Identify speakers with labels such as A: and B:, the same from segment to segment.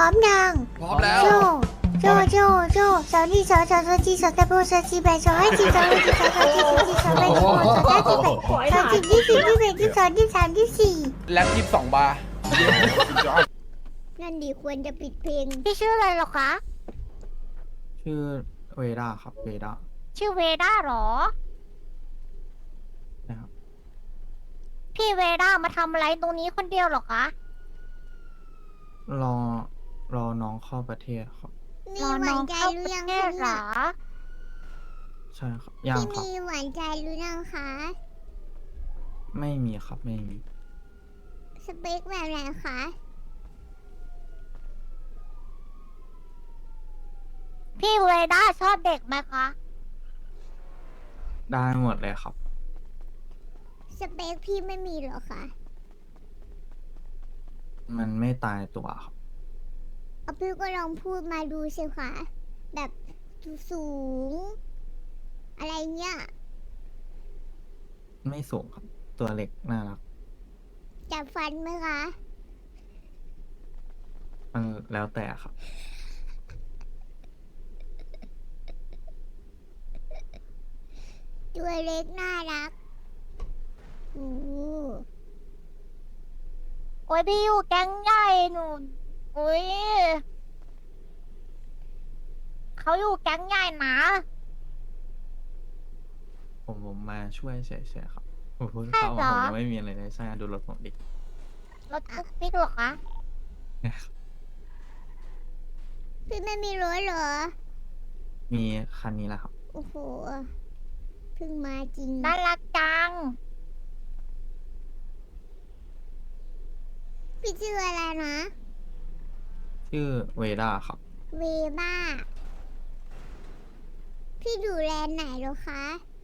A: ร้อมยัง
B: พร้อมแล้ว
A: โจโจสาวนี่สาวจีสาวตะโบสาวจีแบสาวให้จีสาวให้จีสาวจีสาวจีสาวแบสาวสาวจีแบสาวจี20 21 22 23 24
B: แล็บ22 บาร์
A: นั่นดีควรจะปิดเพลงพี่ชื่ออะไรหรอคะ
C: ชื่อเวด้าครับเวด้า
A: ชื่อเวด้าหรอ
C: นะครับ
A: พี่เวด้ามาทำอะไรตรงนี้คนเดียวหรอคะ
C: รอน้องเข้าประเทศครับ
A: รอน้องเข้าประเทศหรอ
C: ใช่ครับยัง
A: พี่
C: ครับ
A: มีหวานใจหรือยังคะ
C: ไม่มีครับไม่มี
A: สเปคแบบไหนคะพี่เวด้าชอบเด็กไหมคะ
C: ได้หมดเลยครับ
A: สเปคพี่ไม่มีหรอคะ
C: มันไม่ตายตัวครับ
A: เอาพี่ก็ลองพูดมาดูสิคะแบบสูง อะไรเงี้ย
C: ไม่สูงครับ ตัวเล็กน่ารัก
A: จับฟันไหมคะ
C: มันแล้วแต่ครับ
A: ตัวเล็กน่ารักโอ้โอ้ยพี่อยู่แก๊งใหญ่หนูโอ้ยเขาอยู่แก๊งใหญ่นะ
C: ผมมาช่วยเฉยๆครับผมเพิ่ง
A: ใช่
C: เข้า
A: เหร
C: มา
A: อ
C: ผมยังไม่มีอะไรเลยใช่ดูรถผมดิ
A: รถตุ๊กติ๊กเหรอคะ พี่ไม่มีรถเหรอ
C: มีคันนี้แหละครับ
A: โอ้โห เพิ่งมาจริง น่ารักจัง พี่ชื่ออะไรนะ
C: ชื่อเวด้าครับ
A: เวบ้า พี่ดูแลนด์ไหนเหรอคะ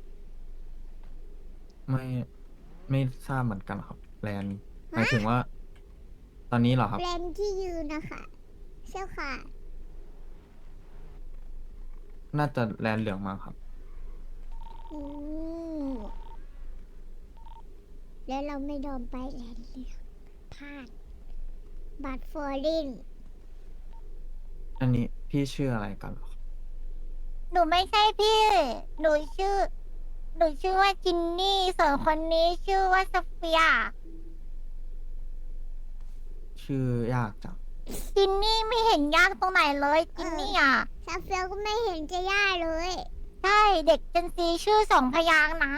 C: ไม่ทราบเหมือนกันครับแลนด์หมายถึงว่า ตอนนี้เหรอครับ
A: แลนด์ที่ยืนนะคะใช่ค่ะ
C: น่าจะแลนด์เหลืองมาครับ
A: อืมแล้วเราไม่ยอมไปแลนด์เหลืองพลาด บัตรฟอร์ลิน
C: อันนี้พี่ชื่ออะไรกันเหรอครับ
A: หนูไม่ใช่พี่ หนูชื่อ ว่าจินนี่ ส่วนคนนี้ชื่อว่าโซเฟีย
C: ชื่อยากจัง
A: จินนี่ไม่เห็นยากตรงไหนเลยจินนี่อ่ะซาเฟียก็ไม่เห็นจะยากเลย ใช่เด็กเจนซีชื่อ2 พยางค์นะ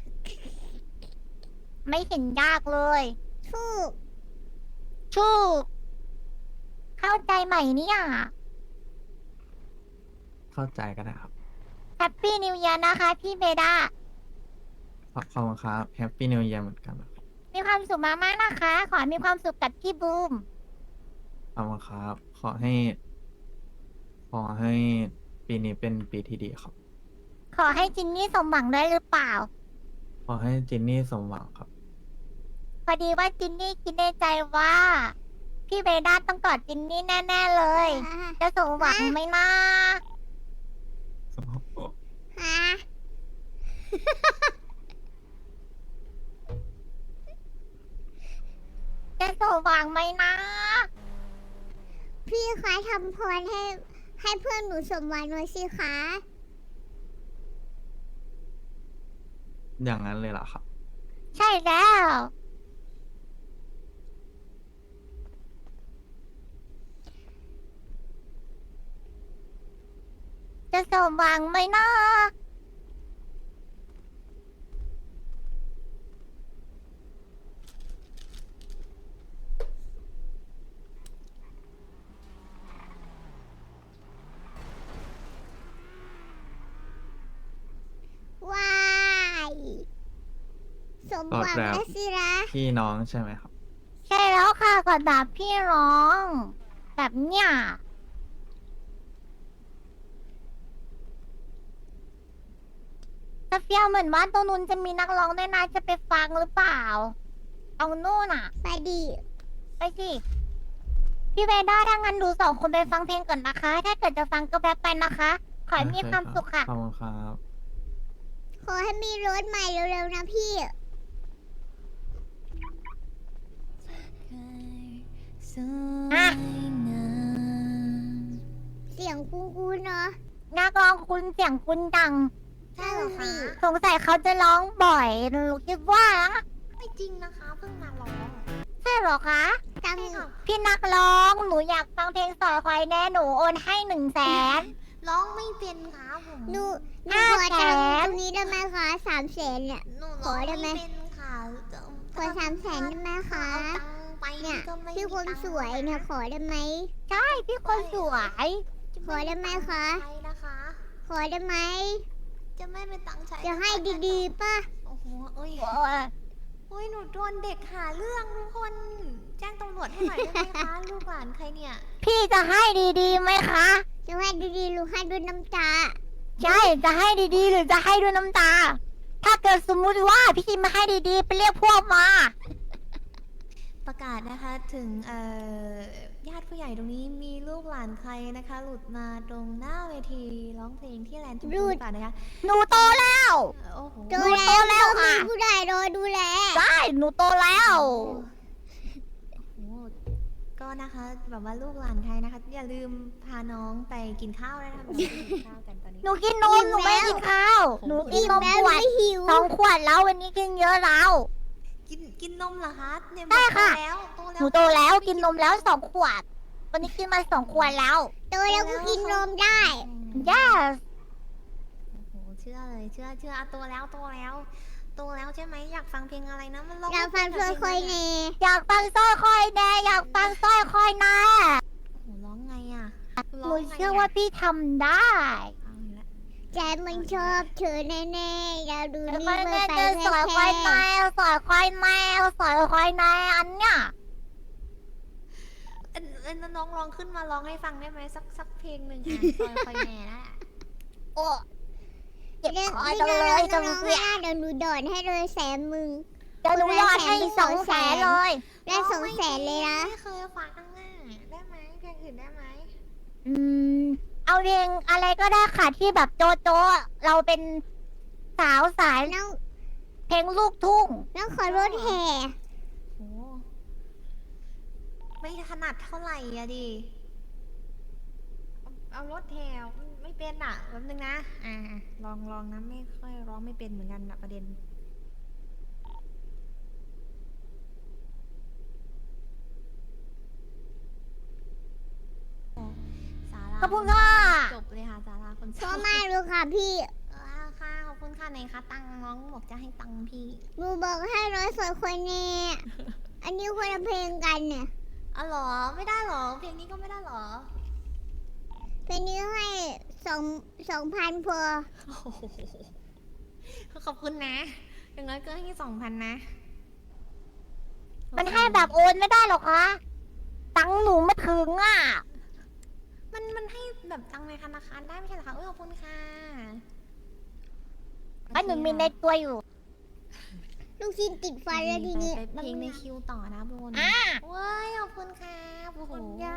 A: ไม่เห็นยากเลยถูกเข้าใจใหม่เนี่ย
C: เข้าใจก็ได้ครับ
A: แฮปปี้นิว e ย r นะคะพี่เบด้า
C: ขอบคุณครับแฮปปี้นิว e ย r เหมือนกันนะครับ
A: มีความสุขมากๆนะคะ ขอให้มีความสุขกับพี่บูม
C: ขอบคุณครับ ขอให้ปีนี้เป็นปีที่ดีครับ
A: ขอให้จินนี่สมหวังได้หรือเปล่า
C: ขอให้จินนี่สมหวังครับ
A: พอดีว่าจินนี่คิดในใจว่า พี่เบด้าต้องกอดจินนี่แน่ๆเลย จะสมหวังไหมนะฮะ จะสมหวังไหมนะ พี่คะทำพรให้เพื่อนหนูสมหวังหน่อยสิคะ
C: อย่างนั้นเลยเหรอครับ
A: ใช่แล้ว จะสมหวังไหมนะ ว้าย สมหวัง
C: กอดแบบ
A: แล้วสินะ
C: พี่น้องใช่ไหมครับ
A: ใช่แล้วค่ะก่อนแบบพี่ร้อง แบบเนี้ยซาเฟียเหมือนว่าตรงนู้นจะมีนักร้องด้วยนะจะไปฟังหรือเปล่าเอานู่นอ่ะ ไปดิ ไปสิ พี่เวด้าถ้างั้นดู2 คนไปฟังเพลงก่อนนะคะ ถ้าเกิดจะฟังก็แป๊บไปนะคะ ขอให้มีความสุขค่ะ
C: ขอบคุณครับ
A: ขอให้มีรถใหม่เร็วๆนะพี่ อ่ะ
B: งคุ้นๆเนาะ
A: นักร้องคุณเสียงคุณดัง
B: ใช่เหรอคะ
A: สงสัยเขาจะร้องบ่อยหนูคิดว่านะ
B: ไม่จริงนะคะเพิ่งมาร้อง
A: ใช่เหรอคะ
B: ใช่ค่ะ
A: พี่นักร้องหนูอยากฟังเพลงสอยควายแน่หนูโอนให้100,000
B: ร้องไม่เป็นค่ะผมหนู
A: ห้า
B: ขอ
A: แส
B: ตังค์
A: น
B: ตรงนี้ได้ไหมคะ300,000เนี่ย
D: หนู
B: ขอได้ไหม
D: ร้องเป็นค่ะ
B: ขอ300,000ได้ไหมคะ
D: เอาตังค์ไป
B: เนี่ย
D: ก็ไม่
B: พี่คน
D: มีตัง
B: สวยเนี่ยขอได้ไหม
A: ใช่พี่คนสวย
B: ขอได้ไหมคะ
D: ใช้นะคะ
B: ขอได้ไหม
D: จะไม่เป็นตังค์ใช้
B: จะให้ดีๆป่ะ
D: โอ้โหเอ้ย
A: โอ้ย
D: โอ้ยหนูโดนเด็กหาเรื่องทุกคน แจ้งตำรวจให้หน่อยได้ไหมคะ ลูกหลานใครเนี่ย
A: พี่จะให้ดีๆไหมคะ
B: จะให้ดีๆหรือให้ด้วยน้ำตา
A: ใช่จะให้ดีๆ หรือจะให้ด้วยน้ำตา ถ้าเกิดสมมุติว่าพี่ไม่ให้ดีๆ ไปเรียกพวกมา
D: ประกาศนะคะถึงญาติผู้ใหญ่ตรงนี้มีลูกหลานใครนะคะ หลุดมาตรงหน้าเวทีร้องเพลงที่แลนด์จุฬาหรือเปล่านะคะ
A: หนูโตแล้ว
D: โอ้โห
B: โต
A: หนูโตแล้
B: แล้ว
A: วค่ะ
B: มีผู้ใหญ่รอดูแล
A: ใช่หนูโตแล้ว
D: โอ้โหก็นะคะแบบว่าลูกหลานใครนะคะ อย่าลืมพาน้องไปกินข้าวด้วยนะคะเราไปกินข้าวกันตอนนี้
A: หนูกินนมหนูไม่กินข้าว หนูกินนม
B: แล้ว
A: ขวด
B: ไม่หิว
A: 2 ขวดแล้ววันนี้กินเยอะแล้ว
D: กินนมเหรอคะเนี่ย
A: ใช่ค่ะ
D: โตแล้ว
A: หนูโตแล้วกินนมแล้ว2 ขวด วันนี้กินมา2 ขวดแล้ว
B: โตแล้วก็กินนมได้
A: yes
D: โอ้โหเชื่อเลยเชื่ออ่ะโตแล้วโตแล้วใช่ไหมอยากฟังเพลงอะไรนะมันร้อง
B: เราฟังเพลงคอยเน
A: อยากฟังสร้อยคอยแดงอยากฟังสร้อยคอยแน่
D: โอ้โหร้องไงอ่ะ
A: หนูเชื่อว่าพี่ทำได้
D: เอาอีกแล้ว
B: ใจมันชอบเธอแน่ๆเราดู
A: แล้ว
B: นี่
A: ก็
B: เมื่อ
A: เนี่ย
B: ไป
A: จะสอยคอยแนวสอยคอยแนวสอยคอยแนวอันเนี้ย
D: น้องร้องขึ้นมาร้องให้ฟังได้ไหมสักเพลงหนึ่งอ่ะซอยคอยแหน่นะ
A: โอ้เจ็บ
B: เรื่อง
A: คอ
B: ที่
A: จัง
B: เรา
A: เลยจัง
B: ร้อง
A: เสี
B: ไม่
A: ย
B: ได้เดี๋ยวหนูโดดให้เลย100,000มึง
A: เดี๋ยวหนูยอดให้200,000เลย
B: ได้200,000เลยนะ
D: ไม่เคยฟังอ่ะได้ไหมเพลงอื่นได้ไหม
A: อืม เอาเพลงอะไรก็ได้ค่ะที่แบบโจโจเราเป็นสาวสาย
B: น้อง
A: เพลงลูกทุ่ง
B: น้องขอรถแห่
D: โอ้ไม่ถนัดเท่าไหร่อะดิเอารถแถวไม่เป็นอ่ะแป๊บนึงนะลองนะไม่ค่อยร้องไม่เป็นเหมือนกันนะประเด็น สารา
A: ขอบคุณค่ะ
D: จบเลยค่ะสาราคน
B: ชอบมากเลยค่ะพี่
D: ค่ะขอบคุณค่ะไหนคะตังค์น้องบอกจะให้ตังค์พี่
B: หนูบอกให้ร้อยสวยคนแน่อันนี้คนละเพลงกันเนี่ย
D: อ๋อเหรอไม่ได้เหรอเพลงนี้ก็ไม่ได้เหรอ
B: เพลงนี้ให้2,000พอ
D: โอ้โหขอบคุณนะอย่างน้อยก็ให้2,000นะ
A: มันให้แบบโอนไม่ได้หรอกคะตังค์หนูไม่ถึงอ่ะ
D: มันให้แบบตังค์ในธนาคารได้ไม่ใช่เหรอคะขอบคุณค่ะ
A: ไอ้หนูมีในตัวอยู่
B: ลูกชิ้นติดฟันแล้วทีนี้
D: ไปเพลงในคิวต่อนะบน
A: อ่ะ
D: เว้ยขอบคุณค่ะโอ้โห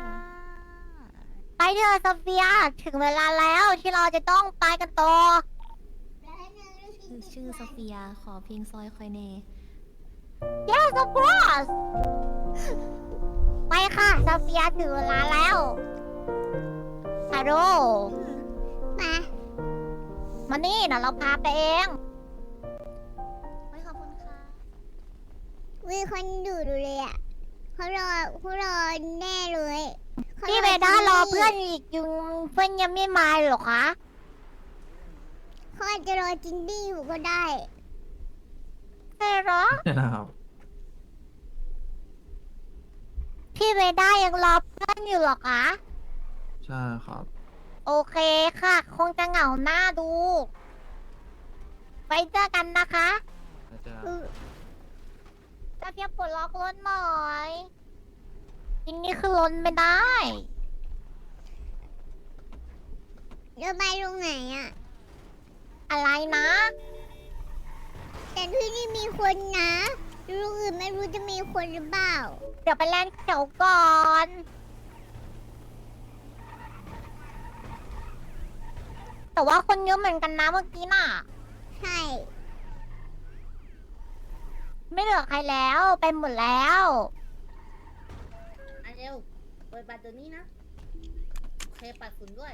A: ไปเถอะโซเฟียถึงเวลาแล้วที่เราจะต้องไปกันต่อ
D: ชื่อโซเฟียขอเพลงซอยคอยเน
A: yes of course ไปค่ะโซเฟียถึงเวลาแล้วฮัลโหล
B: มา
A: มานี่เดี๋ยวเราพาไปเอง
D: ไม่ขอบคุณค่ะ
B: มีคนดูเลยอ่ะเขารอแน่เลยขา
A: พี่เบด้ารอเพื่อนอีกอยู่เพื่อนยังไม่มาเหรอคะ
B: เขาอาจจะรอจินดี้อยู่ก็ได้
A: ใช่เหรอ
C: นะครับ
A: พี่เบด้ายังรอเพื่อนอยู่เหรอคะ
C: ใช่ครับ
A: โอเคค่ะ คงจะเหงาหน้าดู ไปเจอกันนะคะ
C: แล้วจะ
A: จะเพียบปลดล็อกรถหน่อยทีนี้คือล้นไม่ได้
B: จะไปตรงไหนอ่ะ
A: อะไรนะ
B: แต่ที่นี่มีคนนะลูกอื่นไม่รู้จะมีคนหรือเปล่า
A: เดี๋ยวไปแลนด์เขียวก่อน แต่ว่าคนเยอะเหมือนกันนะเมื่อกี้น่ะ
B: ใช่
A: ไม่เหลือใครแล้วไปหมดแล้ว
E: เร็ว เปิดบัตรตัวนี้นะปัดฝุ่นด้วย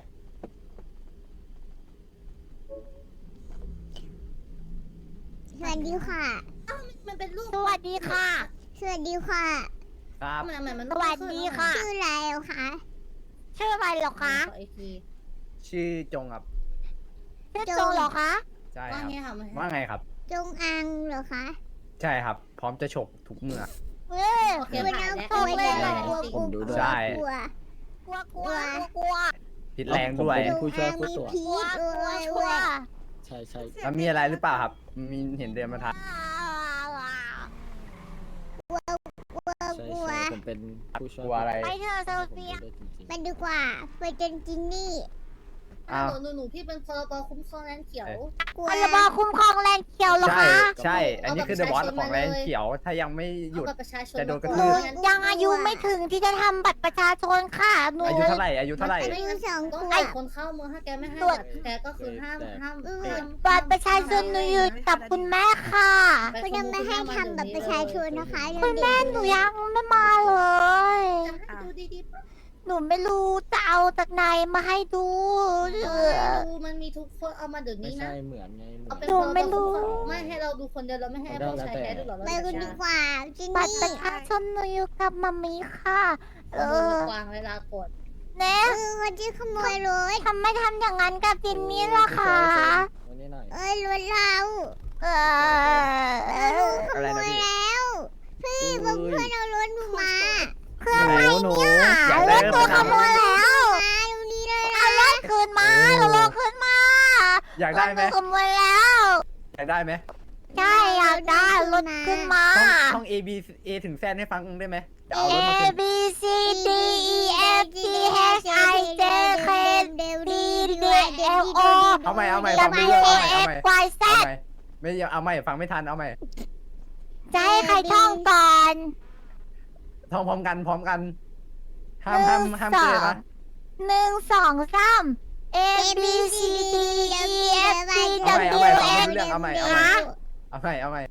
B: สวัสดีค่ะ
E: มันเป็นรูป
A: สวัสดีค่ะ
B: สวัสดีค่ะ
C: ครับ
E: มัน
A: สวัสดีค่ะ
B: ชื่ออะไรเหรอคะ
A: ชื่ออะไรเหรอคะ
E: ขออีกที
F: ชื่อจงครับ
A: ชื่อโจเหรอคะ
F: ใช่
E: ว่า
F: ครับ
E: ไงค่ะมัน
F: ว่าไงครับ
B: จงอังเหรอคะ
F: ใช่ครับ พร้อมจะฉกทุกเมื่อ
A: เอ้ย
E: โอเค
B: กลัว
E: ผ่าน
B: นะ
E: แล้ว
B: กลัว
A: ไม่
B: เลย
A: ได้
B: กลัวกลัว
C: ผมดูด้วย
F: ใช่
B: กลัว
A: กลัวกลัวกลัว
F: พิษแรงด้วย
C: ผม ผู้ช่วยผู้ตรวจ
B: มีพี
A: กลัว
B: ช
A: กลัว
B: ด้วย
A: กลัว
C: ใช่ใช่
F: มันมีอะไรหรือเปล่าครับ มีเห็นเดินมาทัก
B: กลัว
C: ใช่
B: กลัว
C: ใช่ผมเป็นผู้ช่วย
F: กลัวอะไร
A: ไปเถอะโซ
C: ผม
A: เฟี
C: ดู
A: ย
C: ได้จริง
B: ไปดีกว่าไปจนจินนี่
F: อ้าว
E: หนูพี่เป็นพรบคุ้มครองแลนเขียว
B: กลัว
A: พรบคุ้มครองแรงเขียวเหรอ
F: ใช่
A: คะ
F: ใช่ อันนี้คือเดอะบอสของแลนเขียว ถ้ายังไม่หยุด
E: เอาบัตรประชาชน
F: จะโดนกระ
A: ห
F: ทื
A: นู
F: บ
A: ยังอายุไม่ถึงที่จะทำบัตรประชาชนค่ะหนู
F: อายุเท่าไหร่ อายุเท่าไหร่
B: อายุสอง
E: ต้อง
B: ขว
E: ให้
B: บ
E: คนเข้าเมืองถ้าแกไม่ให้
A: ตรวจ
E: บัตรแกก็คือห้าม
A: บัตรประชาชนหนูอยู่กับคุณแม่ค่ะ
B: คุณยังไม่ให้ทำบัตรประชาชนนะคะ
A: คุณแม่หนูยังไม่มาเลย
E: จะให้ดูดีๆปะ
A: หนูไม่รู้จะเอาจากไหนมาให้ดู
E: ดูมันมีทุกคนเอามาเดี๋ยว
C: ๆไม่
E: นี้นะ
C: ใช่เหมือนไงเหมื
E: เอา
C: อน
E: เป็น
A: หนูไม่รู้
E: ไม่ให้เราดูคนเดียวเราไม่ให้พวกชายแท้ดูหรอเรา
B: ไปกันดีกว่าจิน
A: บัตรป
B: นี่
A: ระชาชนหนูอยู่กับมัมมี่ค่ะ
E: เออกวางเวลากด
A: เนะ
B: คนที่ขโมยรถ
A: ทำไม่ทำอย่างนั้นกับจินนี่ล่ะคะ
C: วันนี้หน่อย
B: รถเรา
A: เออ
B: ขโมยแล้ว พี่บอกเพื่อนเอารถหนูมา
A: เครื่องอะไร
F: หนู
A: เนี่ย
F: อยาก
A: ร
F: ได้
A: ถตัวขโมยแล้ว
B: มาดูนี่เลย
A: เอารถคืนมาเอารถคืนมา
F: อยากได้ไหม
A: รถตัวขโมยแล้ว
F: อยากได้ไหม
A: ใช่อยากได้รถคืนมา
F: ต้อง A B A ถึงแซนให้ฟังได้ไหมจะ
A: A
F: เอารถมาคืน
A: B C D E F G H I J K L L O
F: เอาใหม่
A: W
F: ฟังไม่เยอะ
A: A
F: เอาใหม่
A: X Y Z
F: เอาใหม่ไม่เอาใหม่ฟังไม่ทันเอาใหม่
A: จะให้ใครท่องก่อน
F: ท่องพร้อมกันห้าม
A: หนึ่ง
F: ห้าม
A: สอ
F: เกิน
A: ง
F: นะ
A: 1 2 3 A B C D E F G W X
F: เอาใหม่
A: ฮะ
F: เอาใหม่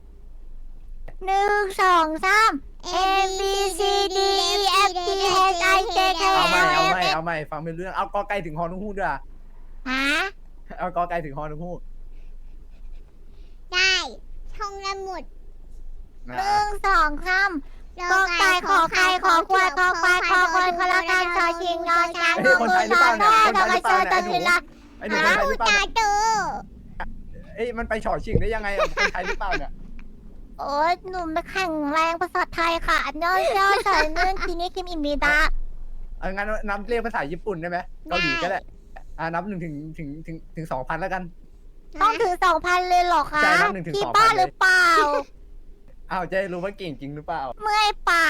A: 1 2 3 A B C D E F G H I J K
F: เอา
A: L
F: ใหม่
A: M N
F: เอาใหม่ฟังเป็นเรื่องเอากอไก่ถึงฮอนุฮูกด้วย
A: ฮะ
F: เอากอไก่ถึงฮอนุฮูก
B: ได้ท่องได้หมด
A: 1 2 3ก็ไก่ขอไข่ขอควายขอควายขอควายขอละกันชอชิงยอช้างงองูนอนแม่ดอกกระเชอตันเวลา
F: ไอ้หนูคนไทยหรือเปล่า
B: ตาโต
F: เอ้ยมันไปฉอชิงได้ยังไงคนไทยหรือเปล่าเนี่ย
A: โอ้ยหนูไม่แข็งแรงภาษาไทยค่ะย่อย่อใส่เนื่องทีนี้คิมอิมิดะ
F: เอางั้นนับเรียกภาษาญี่ปุ่นได้ไหมเกาหลีก็ได้นับ1 ถึง 2,000แล้วกัน
A: ต้องถึง 2,000 เลยเหรอคะ
F: ใช่นับ1 ถึง
A: พี่
F: 2,000
A: บ้าหรือเปล่า
F: อ้าวจะได้รู้ว่าเก่งจริงหรือเปล่า
A: เมื่อยปาก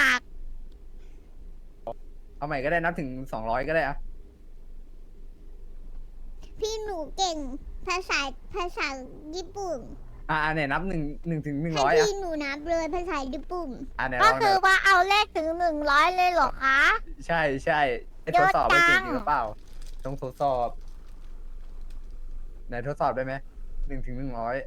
F: เอาใหม่ก็ได้นับถึง200ก็ได้อะ
B: พี่หนูเก่งภาษาญี่ปุ่น
F: เนี่ยนับ1 ถึง
B: ให้
F: 100อ่ะ
B: พี่หนูนับเลยภาษาญี่ปุ่น
F: เนี่ย
A: ก็
F: ลอง
A: คือว่าเอาเลขถึง 100 เลยเหรอคะ
F: ใช่ทดสอบว่าเก่งจริงหรือเปล่าต้องทดสอบไหนทดสอบได้ไหม1 ถึง 100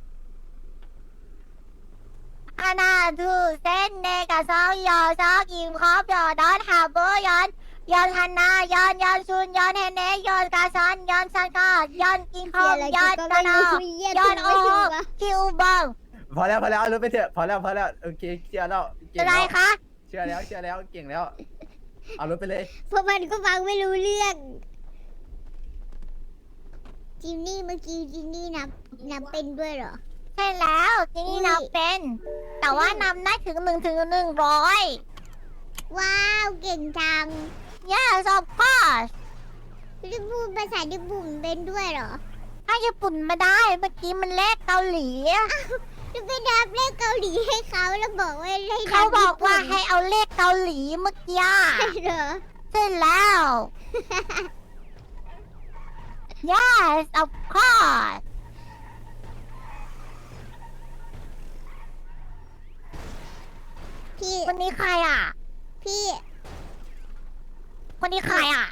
A: อาณาทูเส้นเนกาซอกยอซอกยิมคอบยอดอนฮาเบอร์ยอนยอนฮันนายอนชุนยอนเฮเนยอนกาซอนยอนซันกายอนกิงคอมยอนกานายอนโอคิวบัง
F: พอแล้วเอารถไปเถอะพอแล้วโอเคเชื่อแล้วเก่ง
A: อะไร
F: แล้ว
A: คะ
F: เชื่อแล้วเก่งแล้วเอารถไปเลย
B: เพราะมันก็ฟังไม่รู้เรื่องจินนี่เมื่อกี้จินนี่นับเป็นด้วยเหรอ
A: ใช่แล้วทีนี้นับเป็น แต่ว่านำได้ถึง1 ถึง 100
B: ว้าวเก่งจัง
A: Yes of course
B: พี่พูดภาษาญี่ปุ่นเป็นด้วยเหรอ
A: ถ้าญี่ปุ่นไม่ได้เมื่อกี้มันเลขเกาหลี
B: จะไปนับเลขเกาหลีให้เขาแล้วบอกว่าให้นั
A: เขาบอกว่า
B: ญี่ปุ่น
A: ให้เอาเลขเกาหลีเมื่อกี้
B: ใช่เหรอ
A: ใช่แล้ว Yes of course
B: พี่
A: คนนี้ใครอ่ะ
B: พี่
A: คนนี้ใครอ่ะ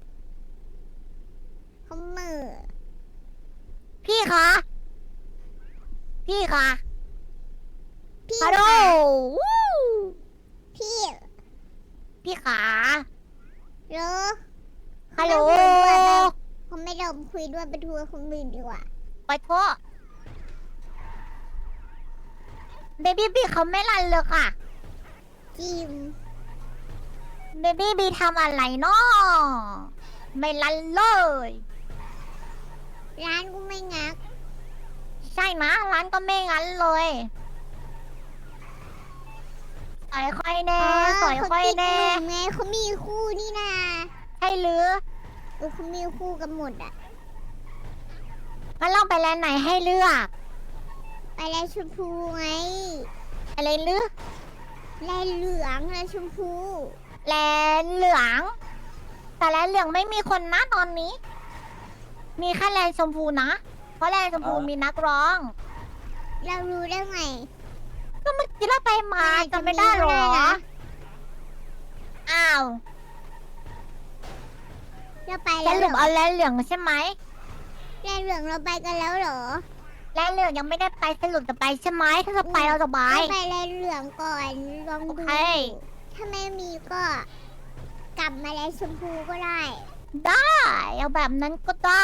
B: เขาเหมือ
A: พี่คะ พี่คะ
B: พี่
A: ฮัลโหล
B: คะ
A: วู้
B: พี่
A: พี่ขา
B: เหรอ
A: ใครฮัลโหล
B: เขาไม่ยอมคุยด้วยไปทัวร์คนอื่นดีกว่า
A: ไปโทษเบบี้บีเขาไม่รันเลยค่ะ
B: จิม
A: เบบี้บีทำอะไรเนาะไม่รันเลย
B: ร้านกูไม่งัก
A: ใช่นะร้านก็ไม่งั้นเลยสอยค่อยแน่สอยค่อยแน่
B: เขาติดหนุ่มไงเขามีคู่นี่นา
A: ใช่หรือ
B: เขามีคู่กันหมดอ่ะ
A: งั้นเราไปแลนด์ไหนให้เลือก
B: ไปแลนชมพูไง
A: อะไรหรือ
B: แลนเหลืองแลนชมพู
A: แลนด์เหลือง แต่แลนด์เหลืองไม่มีคนนะตอนนี้ มีแค่แลนด์ชมพูนะ เพราะแลนด์ชมพูมีนักร้อง
B: เรารู้ได้ไง
A: ก็เมื่อกี้เราไปมาจำไม่ได้หรอ อ้าว
B: เราไป
A: ส
B: แล้วเห
A: รุ
B: ร
A: ป
B: อ
A: เอาแลนด์เหลืองใช่ไหม
B: แลนเหลืองเราไปกันแล้วเหรอ
A: แลนด์เหลืองยังไม่ได้ไปสรุปจะไปใช่ไหมถ้าจะไปเราจะไป
B: เราไปแลนเหลืองก่อนลอง
A: โอ
B: ดู
A: เค
B: ถ้าไม่มีก็กลับมาแลนชมพูก็ได้
A: ได้เอาแบบนั้นก็ได้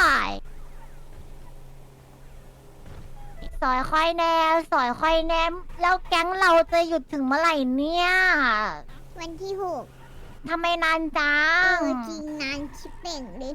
A: สอยค่อยแนมสอยค่อยแนมแล้วแก๊งเราจะหยุดถึงเมื่อไหร่เนี่ย
B: วันที่หก
A: ทำไมนานจัง
B: จริงนานชิบเป่งเลย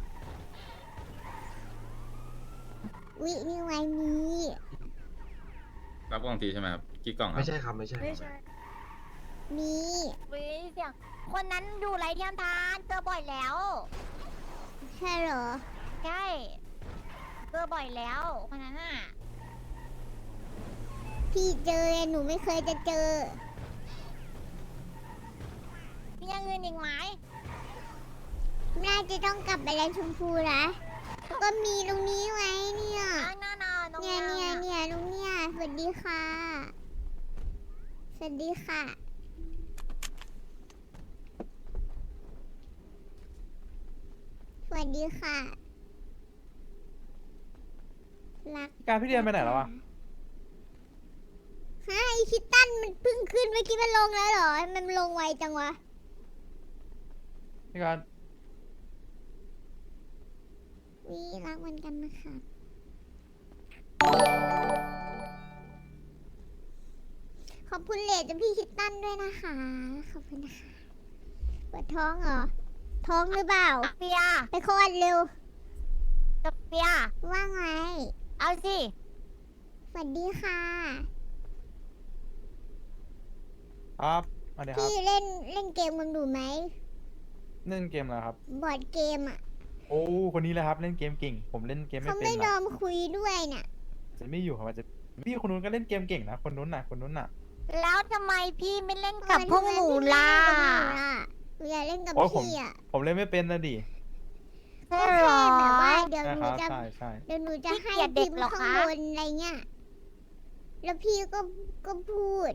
B: วินี่ไว้นี้
G: รับกล่องทีใช่ไหมครับกี่กล่องครับ
H: ไม่ใช่ครับ ไม่ใช่
E: ไม่ใช่
B: มี
A: วิเสียงคนนั้นอยู่ไรเทียมทานเจอบ่อยแล้ว
B: ใช่เหรอ
A: ใช่เจอบ่อยแล้วคนนั้นอ่ะ
B: พี่เจอหนูไม่เคยจะเจอ
A: มีอย่างอื่นอีกไหม
B: น่าจะต้องกลับไปแลนชมพูนะก็มีตรงนี้ไว้เนี่ย
A: น่าน้อง
B: เนี่ยตรงเนี่ยสวัสดีค่ะ สวัสดีค่ะ สวัสดีค่ะรัก
F: การพี่เดียนไปไหนแล้วอะ
B: ฮะไอคิตตันมันเพิ่งขึ้นเมื่อกี้มันลงแล้วเหรอ มันลงไวจังวะ
F: พี่การ
B: วิรักเหมือนกันนะคะ ขอบคุณเลดจากพี่คิตตันด้วยนะคะ ขอบคุณนะคะปวดท้องเหรอ ท้องหรือเปล่า
A: เฟีย
B: ไปคลอดเร็ว
A: กับเฟีย
B: ว่าไง
A: เอาสิ
B: สวัสดีค่ะ
F: ครับสวัสดีครับ
B: พี่เล่นเกมกันดูไหม
F: เล่นเกมอะไรครับ
B: บอร์ดเกมอ่ะ
F: โอ้คนนี้เลยครับเล่นเกมเก่ง ผมเล่นเกมไม่
B: เขา
F: เป็
B: ไม่
F: น
B: ยอ
F: นะ
B: มคุยด้วยน่ะ
F: จะไม่อยู่ครับอาจจะพี่คนนู้นก็เล่นเกมเก่งนะคนนู้นน่ะคนนู้นน่ะ
A: แล้วทำไมพี่ไม่เล่นกับพวกหนูล่ะ
B: หนูอยากเล่นกับ
F: โอ้ยผม
B: พี่อ่ะ
F: ผมเล่นไม่เป็นนะดิ
A: ใช่
B: ก็
A: เหร
B: แค่
A: อ
B: แบบว่าเดี๋ยว
F: ใช่
B: ห
F: ค
B: นู
F: รับ
B: จะ
F: ใช่ใช่
B: เดี๋ยวหนูจะ
A: พี่
B: ให้
A: เกลียดเด็
B: พิ
A: ก
B: มพ์
A: เหรอ
B: ข้าง
A: คะ
B: บนอะไรเงี้ย แล้วพี่ก็พูด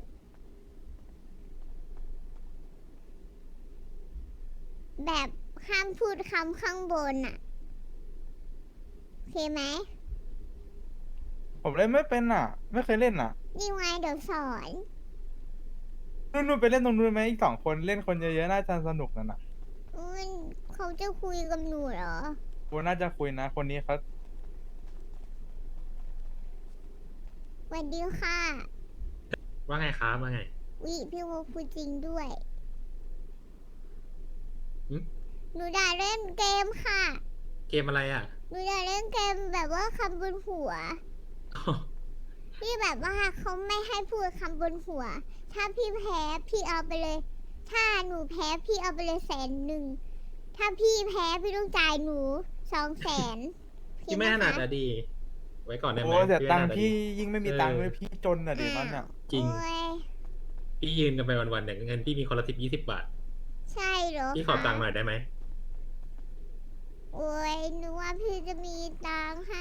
B: แบบห้ามพูดคำข้างบนอ่ะ โอเคไหม
F: ผมเล่นไม่เป็นอ่ะ ไม่เคยเล่นอ่ะ
B: นี่ไงเดี๋ยวสอน
F: นู่นไปเล่นตรงนู้นไหมอีก2 คนเล่นคนเยอะๆน่าจะสนุกนั่นน่ะ
B: เขาจะคุยกับหนูเหรอ
F: กูน่าจะคุยนะ คนนี้เขา
B: สวัสดีค่ะ
H: ว่าไงครับว่าไง
B: วิพี่โมพูดจริงด้วย
H: หึ
B: หนูด่าเล่นเกมค่ะ
H: เกมอะไรอ่ะ
B: หนูด่าเล่นเกมแบบว่าคำบนหัว ที่แบบว่าเขาไม่ให้พูดคำบนหัว ถ้าพี่แพ้พี่เอาไปเลย ถ้าหนูแพ้พี่เอาไปเลย100,000 ถ้าพี่แพ้พี่ต้องจ่ายหนู200,000
H: พี่ไม่ถนัดอะดี ไว้ก่อนได้ไหม
F: โอ้เสียตังค์
H: ไม่ถนัดอะ
F: พี่
H: ดี
F: ยิ่งไม่มีตังค์เลยพี่จนอ่ะดินั่นอ่ะ
H: จริง
B: โอ้ย
H: พี่ยืนกันไปวันๆเนี่ยเงินพี่มีคนละ20 บาท
B: ใช่เหรอ
H: พี่ขอ
B: คะ
H: ตังค์หน่อยได้ไหม
B: โอ้ยหนูว่าพี่จะมีตังค์ให้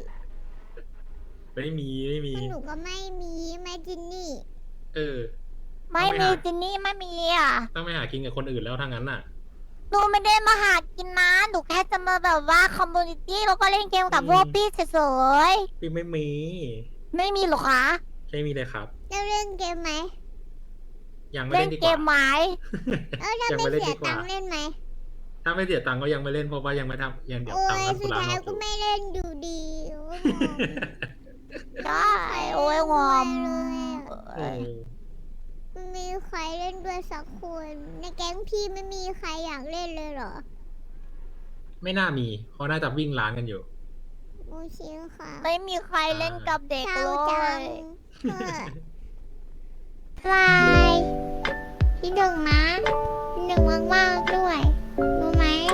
H: ไม่มี
B: เพราะหนูก็ไม่มีแม่จินนี่
H: เออ
A: ไม่มีจินนี่ไม่มีอ่ะ
H: ต้องไปหากินกับคนอื่นแล้วทางนั้นน่ะ
A: หนูไม่ได้มาหากินนะหนูแค่จะมาแบบว่าคอมมูนิตี้แล้วก็เล่นเกมกับพวกพี่เฉย
H: พี่ไม่มี
A: ๆไม่มีหรอคะ
H: ไม่มีเลยครับ
B: จะเล่นเกมไหม
H: ยังไม่
A: เล่
H: เล่
A: น
H: นดีก
A: เก
H: ว่าม
A: ไหม
B: ถ้า
H: ยัง
B: ไม่
H: ไม่เล่น
B: เสีย
H: ดีกว่า
B: ตังค์เล่นไหม
H: ถ้าไม่เสียตังค์ก็ยังไม่เล่นเพราะว่ายังไม่ทำยังเดี๋ยว
B: โอ้ย
H: ทำธุ
B: สุด
H: ระ
B: ท้าย
H: นอก
B: ก็
H: อยู่
B: ไม่เล่นอยู่ดีโอ้ยงอม
A: ได้โอ้ยงอม
H: โอ้
B: ไม่มีใครเล่นด้วยสักคน ในแก๊งพี่ไม่มีใครอยากเล่นเลยเหรอ
H: ไม่น่ามีเขาน่าจะวิ่งร้านกันอยู่
B: โอเคค่ะ
A: ไม่มีใครเล่นกับเด็ก
B: เศร้า
A: เล
B: จัง
A: ย
B: เออ บายพี่ดึงนะ